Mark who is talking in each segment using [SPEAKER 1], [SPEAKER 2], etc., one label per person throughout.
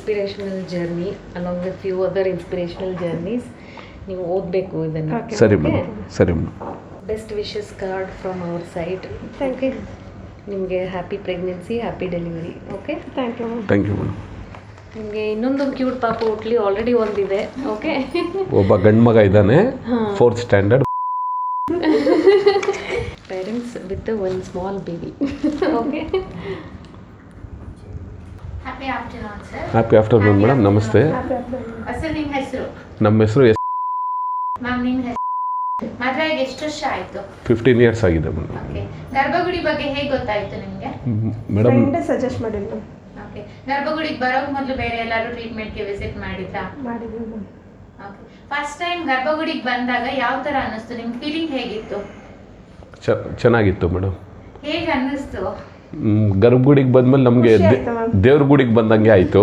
[SPEAKER 1] Inspirational journey along with few other inspirational journeys. ನೀವು ಓದಬೇಕು ಇದನ್ನು.
[SPEAKER 2] ಸರಿ ಮೇಡಮ್, ಸರಿ madam.
[SPEAKER 1] Best wishes card from our side.
[SPEAKER 3] Thank you.
[SPEAKER 1] ನಿಮಗೆ happy pregnancy, happy delivery. Okay,
[SPEAKER 3] thank you ma'am.
[SPEAKER 2] Thank you madam.
[SPEAKER 1] ನಿಮಗೆ ಇನ್ನೊಂದು cute ಪಾಪು ಹುಟ್ಲಿ, already ಒಂದಿದೆ. ಓಕೆ,
[SPEAKER 2] ಒಬ್ಬ ಗಂಡು ಮಗ ಇದ್ದಾನೆ, 4th standard.
[SPEAKER 1] Parents with one small baby. Okay,
[SPEAKER 4] happy afternoon sir.
[SPEAKER 2] Happy afternoon madam, ನಮಸ್ತೆ.
[SPEAKER 4] ಸರ್ ನಿಮ್ಮ ಹೆಸರು?
[SPEAKER 2] ನಮ್ಮ ಹೆಸರು
[SPEAKER 4] ಮ್ಯಾಮ್ ನಿಮ್ಮ ಹೆಸರು? ಮದುವೆಗೆ ಎಷ್ಟು ವರ್ಷ ಆಯಿತು?
[SPEAKER 2] 15 years ಆಗಿದೆ ಮೇಡಮ್.
[SPEAKER 4] ಓಕೆ, ಗರ್ಭಗುಡಿ ಬಗ್ಗೆ ಹೇಗೆ ಗೊತ್ತಾಯಿತು ನಿಮಗೆ?
[SPEAKER 2] ಮೇಡಮ್
[SPEAKER 3] ಫ್ರೆಂಡ್ ಸಜೆಸ್ಟ್ ಮಾಡಿದ್ರು.
[SPEAKER 4] ಓಕೆ, ಗರ್ಭಗುಡಿಗೆ ಬರೋಕೆ ಮೊದಲು ಬೇರೆ ಎಲ್ಲರೂ ಟ್ರೀಟ್ಮೆಂಟ್ಗೆ ವಿಸಿಟ್ ಮಾಡಿದ್ರಾ?
[SPEAKER 3] ಮಾಡಿದ್ವಿ ಮ್ಯಾಮ್.
[SPEAKER 4] ಓಕೆ, ಫಸ್ಟ್ ಟೈಮ್ ಗರ್ಭಗುಡಿಗೆ ಬಂದಾಗ ಯಾವ ಥರ ಅನ್ನಿಸ್ತು? ನಿಮ್ಮ ಫೀಲಿಂಗ್ ಹೇಗಿತ್ತು?
[SPEAKER 2] ಚೆನ್ನಾಗಿತ್ತು ಮೇಡಮ್.
[SPEAKER 4] ಹೇಗೆ ಅನ್ನಿಸ್ತು?
[SPEAKER 2] ಗರ್ಭಗುಡಿಗೆ ಬಂದಮೇಲೆ ನಮಗೆ
[SPEAKER 3] ಖುಷಿ ಆಯ್ತು ಮ್ಯಾಮ್.
[SPEAKER 2] ದೇವ್ರ ಗುಡಿಗೆ ಬಂದಂಗೆ ಆಯಿತು.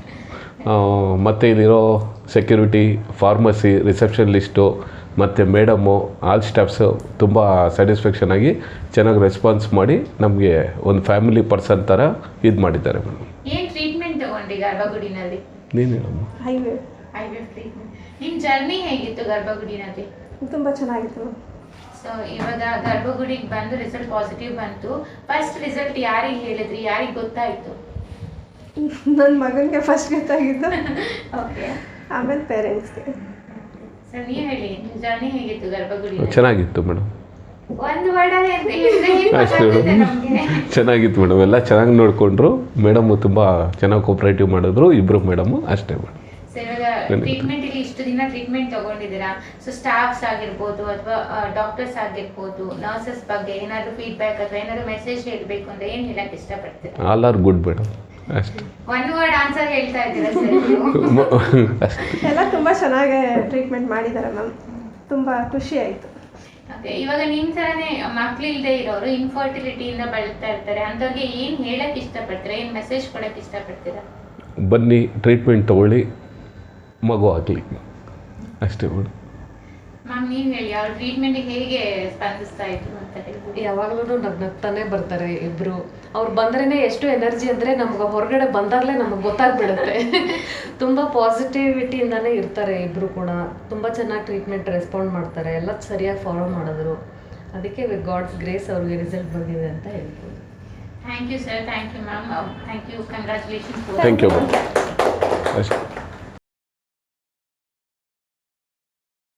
[SPEAKER 2] ಮತ್ತು ಇಲ್ಲಿರೋ ಸೆಕ್ಯೂರಿಟಿ, ಫಾರ್ಮಸಿ, ರಿಸೆಪ್ಷನ್ ಲಿಸ್ಟು ಮತ್ತು ಮೇಡಮು, ಆಲ್ ಸ್ಟಾಫ್ಸು ತುಂಬ ಸ್ಯಾಟಿಸ್ಫ್ಯಾಕ್ಷನ್ ಆಗಿ ಚೆನ್ನಾಗಿ ರೆಸ್ಪಾನ್ಸ್ ಮಾಡಿ ನಮಗೆ ಒಂದು ಫ್ಯಾಮಿಲಿ ಪರ್ಸನ್ ಥರ ಇದು ಮಾಡಿದ್ದಾರೆ ಮೇಡಮ್.
[SPEAKER 4] ಏನು ಟ್ರೀಟ್ಮೆಂಟ್ ತಗೊಂಡ್ರಿ ಗರ್ಭಗುಡಿನಲ್ಲಿ?
[SPEAKER 2] ನೀನು ಹೇಳಮ್ಮ.
[SPEAKER 3] Highway
[SPEAKER 4] IVF treatment. ನಿಮ್ಮ ಜರ್ನಿ ಹೇಗಿತ್ತು ಗರ್ಭಗುಡಿನಲ್ಲಿ?
[SPEAKER 3] ತುಂಬ ಚೆನ್ನಾಗಿತ್ತು ಮ್ಯಾಮ್.
[SPEAKER 4] ಸೊ ಇವಾಗ ಗರ್ಭಗುಡಿಗೆ ಬಂದು ರಿಸಲ್ಟ್ ಪಾಸಿಟಿವ್ ಬಂತು. ಫಸ್ಟ್ ರಿಸಲ್ಟ್ ಯಾರಿಗೆ ಹೇಳಿದ್ರಿ, ಯಾರಿಗೆ ಗೊತ್ತಾಯಿತು?
[SPEAKER 3] ನನ್ನ ಮಗನಿಗೆ ಫಸ್ಟ್ ಗೊತ್ತಾಗಿದ್ದು,
[SPEAKER 4] ಓಕೆ,
[SPEAKER 3] ಆಮೇಲೆ ಪೇರೆಂಟ್ಸ್ಗೆ.
[SPEAKER 4] ಸರ್ ನೀವು ಹೇಳಿ, ಜರ್ನಿ ಹೇಗಿತ್ತು ಗರ್ಭಗುಡಿ?
[SPEAKER 2] ಚೆನ್ನಾಗಿತ್ತು ಮೇಡಮ್.
[SPEAKER 4] ಒಂದು ವರ್ಡಲ್ಲಿ ಅಂತ ಹೇಳಿದ್ರೆ ಹೇಗೆ
[SPEAKER 2] ಅಷ್ಟೇ
[SPEAKER 4] ಗೊತ್ತಾಗುತ್ತೆ
[SPEAKER 2] ಮೇಡಮ್,
[SPEAKER 4] ನಮಗೆ?
[SPEAKER 2] ಚೆನ್ನಾಗಿತ್ತು ಮೇಡಮ್. ಎಲ್ಲ ಚೆನ್ನಾಗಿ ನೋಡಿಕೊಂಡ್ರು ಮೇಡಮು, ತುಂಬ ಚೆನ್ನಾಗಿ ಕೋಪ್ರೇಟಿವ್ ಮಾಡಿದ್ರು ಇಬ್ಬರು ಮೇಡಮು. ಅಷ್ಟೇ ಮೇಡಮ್.
[SPEAKER 4] ಸರ್ ಇವಾಗ ಟ್ರೀಟ್ಮೆಂಟ್ ಇಲ್ಲಿ ಇಷ್ಟು ದಿನ ಟ್ರೀಟ್ಮೆಂಟ್ ತಗೊಂಡಿದ್ದೀರಾ, ಸೊ ಸ್ಟಾಫ್ಸ್ ಆಗಿರ್ಬೋದು ಅಥವಾ ಡಾಕ್ಟರ್ಸ್ ಆಗಿರ್ಬೋದು, ನರ್ಸಸ್ ಬಗ್ಗೆ ಏನಾದರೂ ಫೀಡ್ಬ್ಯಾಕ್ ಅಥವಾ ಏನಾದರೂ ಮೆಸೇಜ್ ಹೇಳಬೇಕು ಅಂದರೆ ಏನು ಹೇಳಕ್ಕೆ ಇಷ್ಟಪಡ್ತೀರಾ?
[SPEAKER 2] All are good madam. ಅಷ್ಟೇ.
[SPEAKER 4] ಒನ್ ವರ್ಡ್ ಆನ್ಸರ್ ಹೇಳ್ತಾ ಇದ್ದೀರಾ ಸರ್ ನೀವು?
[SPEAKER 2] ಅಷ್ಟೇ.
[SPEAKER 3] ಎಲ್ಲ ತುಂಬ ಚೆನ್ನಾಗಿ ಟ್ರೀಟ್ಮೆಂಟ್ ಮಾಡಿದ್ದಾರೆ ಮ್ಯಾಮ್. ತುಂಬ ಖುಷಿ ಆಯಿತು.
[SPEAKER 4] ಓಕೆ, ಇವಾಗ ನಿಮ್ಮ ಥರನೇ ಮಕ್ಕಳಿಲ್ಲದೆ ಇರೋರು ಇನ್ಫರ್ಟಿಲಿಟಿಯಿಂದ ಬಳಲ್ತಾ ಇರ್ತಾರೆ, ಅಂಥವ್ರಿಗೆ ಏನು ಹೇಳಕ್ಕೆ ಇಷ್ಟಪಡ್ತೀರಾ, ಏನು ಮೆಸೇಜ್ ಕೊಡೋಕ್ಕೆ ಇಷ್ಟಪಡ್ತೀರಾ?
[SPEAKER 2] ಬನ್ನಿ, ಟ್ರೀಟ್ಮೆಂಟ್ ತೊಗೊಳ್ಳಿ, ಮಗು ಆಗಲಿ. ಅಷ್ಟೇ ಮೇಡಮ್.
[SPEAKER 4] ಮ್ಯಾಮ್ ನೀವು ಹೇಳಿ, ಅವ್ರ ಟ್ರೀಟ್ಮೆಂಟಿಗೆ ಹೇಗೆ ಸ್ಪಂದಿಸ್ತಾ ಇದ್ರು ಅಂತ ಹೇಳಿ?
[SPEAKER 1] ಯಾವಾಗಲೂ ನಗ್ನಗ್ತಾನೆ ಬರ್ತಾರೆ ಇಬ್ಬರು. ಅವ್ರು ಬಂದ್ರೇ ಎಷ್ಟು ಎನರ್ಜಿ ಅಂದರೆ ನಮ್ಗೆ ಹೊರಗಡೆ ಬಂದಾಗಲೇ ನಮಗೆ ಗೊತ್ತಾಗ್ಬಿಡುತ್ತೆ. ತುಂಬ ಪಾಸಿಟಿವಿಟಿಯಿಂದನೇ ಇರ್ತಾರೆ ಇಬ್ಬರು ಕೂಡ. ತುಂಬ ಚೆನ್ನಾಗಿ ಟ್ರೀಟ್ಮೆಂಟ್ ರೆಸ್ಪಾಂಡ್ ಮಾಡ್ತಾರೆ, ಎಲ್ಲ ಸರಿಯಾಗಿ ಫಾಲೋ ಮಾಡಿದ್ರು. ಅದಕ್ಕೆ ವಿತ್ ಗಾಡ್ಸ್ ಗ್ರೇಸ್ ಅವ್ರಿಗೆ ರಿಸಲ್ಟ್ ಬಂದಿದೆ ಅಂತ ಹೇಳ್ಬೋದು.
[SPEAKER 4] Thank you sir, thank you ma'am, thank you, congratulations.
[SPEAKER 2] Thank you madam. ಅಷ್ಟೇ.